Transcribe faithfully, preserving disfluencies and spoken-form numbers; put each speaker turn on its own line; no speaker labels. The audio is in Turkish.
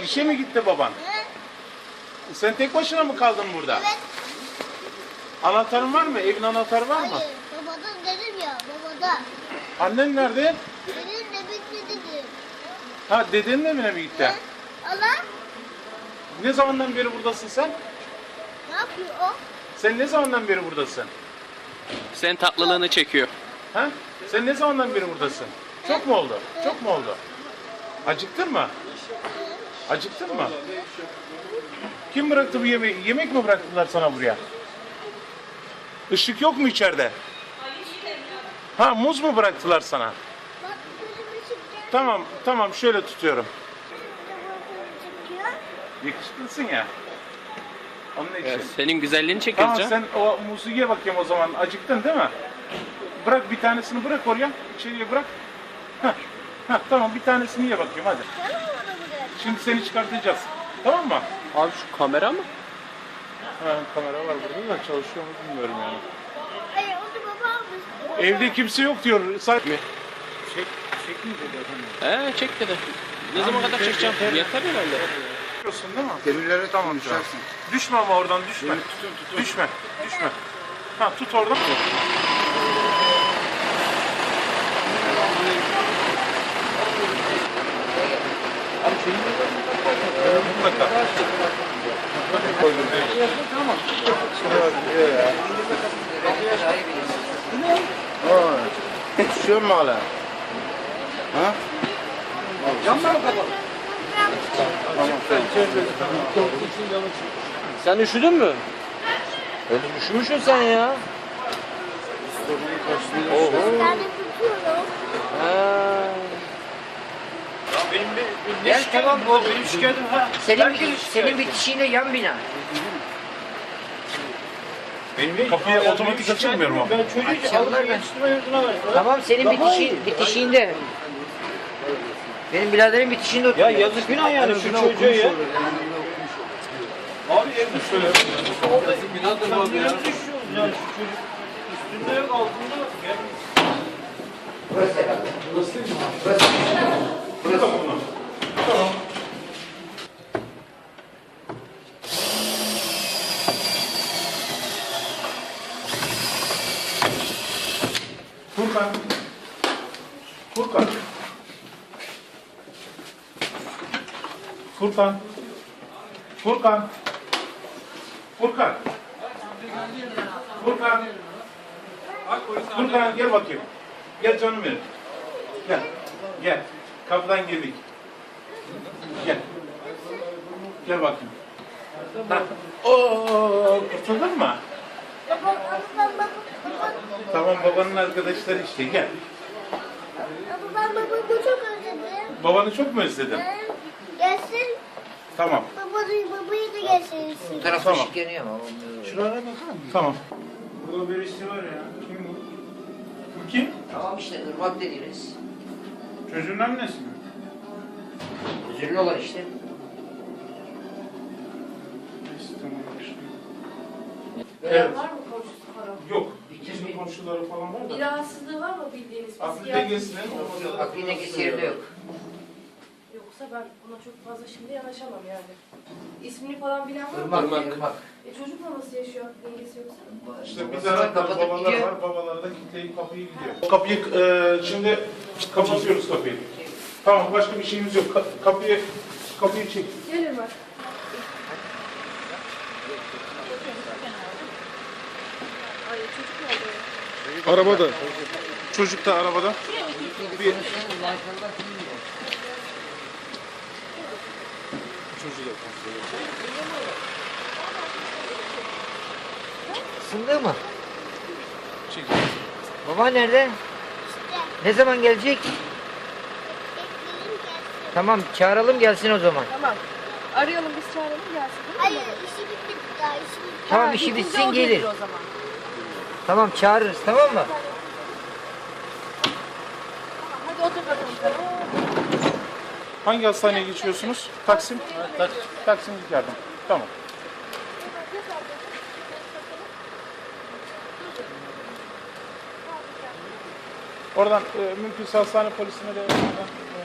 İşe mi gitti baban?
Evet.
Sen tek başına mı kaldın burada?
Evet.
Anahtarın var mı? Evin anahtarı var mı?
Hayır. Babadan dedim ya. Babada.
Annen nerede?
Benim de bitti dedim.
Ha, dedenin evine mi gitti?
He? Allah.
Ne zamandan beri buradasın sen?
Ne yapıyor o?
Sen ne zamandan beri buradasın?
Senin tatlılığını çekiyor.
Ha? Sen ne zamandan beri buradasın? Çok mu oldu? Çok mu oldu? Acıktın mı? Acıktın mı? Kim bıraktı bu yemeği? Yemek mi bıraktılar sana buraya? Işık yok mu içeride? Ha, muz mu bıraktılar sana?
Bak gözümü çıkacak.
Tamam, tamam, şöyle tutuyorum.
Çıkıyor.
Yakışıklısın ya. Onun için.
Evet, senin güzelliğini çekiyoruz
Tamam,
canım.
sen o muzu ye bakayım o zaman. Acıktın değil mi? Bırak bir tanesini, bırak oraya. İçeriye bırak. Heh. Heh, tamam, bir tanesini ye bakayım hadi.
Sen mi bana bırak?
Şimdi seni çıkartacağız. Tamam mı?
Abi şu kamera mı?
Ha, kamera var burada da çalışıyor mu bilmiyorum yani.
Hayır onu baba almış.
Evde kimse yok diyor. Sadece...
Mi?
Çek, çekmeyecek efendim.
He çek dedi. Ne zaman kadar çekeceğim? Yeter herhalde.
Biliyorsun değil mi?
Demirlere
Tamam,
tamam düşersin.
Düşme ama oradan düşme.
Tutun tutun.
Düşme, düşme. Ha, tut oradan. Evet, mutlaka.
Düşüyor mu hala? Ha?
Sen üşüdün mü? Öyle üşümüşsün sen ya. Oho.
Bir tane tutuyorum.
Ha.
Benim bir, bir
Gel tamam o
benim şikayetim ha.
senin
Herkes
bir,
şikayet.
senin bitişiğinde yan bina.
Benim bir-
Kapıyı
Ya
otomatik
benim
açılmıyor mu?
şikayetim yok. Ben çocuğu
Açarlar
alıp
ben.
yetiştirme yurduna verdim.
Tamam senin
Daha
bitişiğin,
iyi.
bitişiğinde. Benim biraderin bitişiğinde
Ya
oturuyor.
yazık günah yani şu çocuğa ya. Abi evde şöyle. Sen niye düşüyoruz yani şu çocuk üstünde yok altında yok. Ya.
Furkan. Furkan. Furkan. Furkan. Furkan. Furkan. Furkan gel bakayım. Gel canım benim. Gel. Gel. Kapıdan girdik. Gel. Gel bakayım. Ha. Oo, kurtuldun mu?
Baba, baba, baba, baba.
Tamam, babanın arkadaşları işte, gel.
Baba, ben babamı çok özledim.
Babanı çok mu özledin?
He? Gelsin.
Tamam.
Babayı, babayı da gelsin.
Bu tarafta
Tamam.
ışık yanıyor ama.
Tamam.
Burada birisi var ya.
Kim bu? Bu kim?
Tamam işte ırmak dediğiniz.
Çocuğun annesi mi?
Üzüllü olan işte.
Neyse, tamam.
Veya var mı komşusu falan?
Yok. Bizim komşuları falan var
Bir
da.
rahatsızlığı var mı bildiğiniz?
Aklı
Psikiyatri-
dengesine.
Akli dengesi yerinde yok.
Yoksa ben buna çok fazla şimdi yanaşamam yani. İsmini falan bilen var mı?
Irmak,
Irmak.
ırmak.
E çocukla nasıl yaşıyor dengesi yoksa?
İşte bir
Babasına
taraftan
kapatıp
babalar
gidiyor.
var, babalar da kitleyip kapıyı gidiyor. Kapıyı e, şimdi kapatıyoruz kapıyı. Tamam, başka bir şeyimiz yok. Ka- kapıyı kapıyı çek.
Gelir bak. Ay çocuk nerede?
Arabada. Çocuk da arabada. Bir...
Sındı mı?
Çek.
Baba nerede?
İşte.
Ne zaman gelecek?
Bekleyin gelsin.
Tamam çağıralım gelsin o zaman.
Tamam. Arayalım biz çağıralım gelsin.
Hayır işi bitti daha işi bitti.
Tamam
Ha,
işi
bitince
bitsin
o
gelir.
o zaman.
Tamam çağırırız tamam mı?
Tamam, hadi otur bakalım sen.
Hangi hastaneye geçiyorsunuz? Taksim? Taksim. Taksim yardım. Tamam. Oradan e, mümkünse hastane polisine de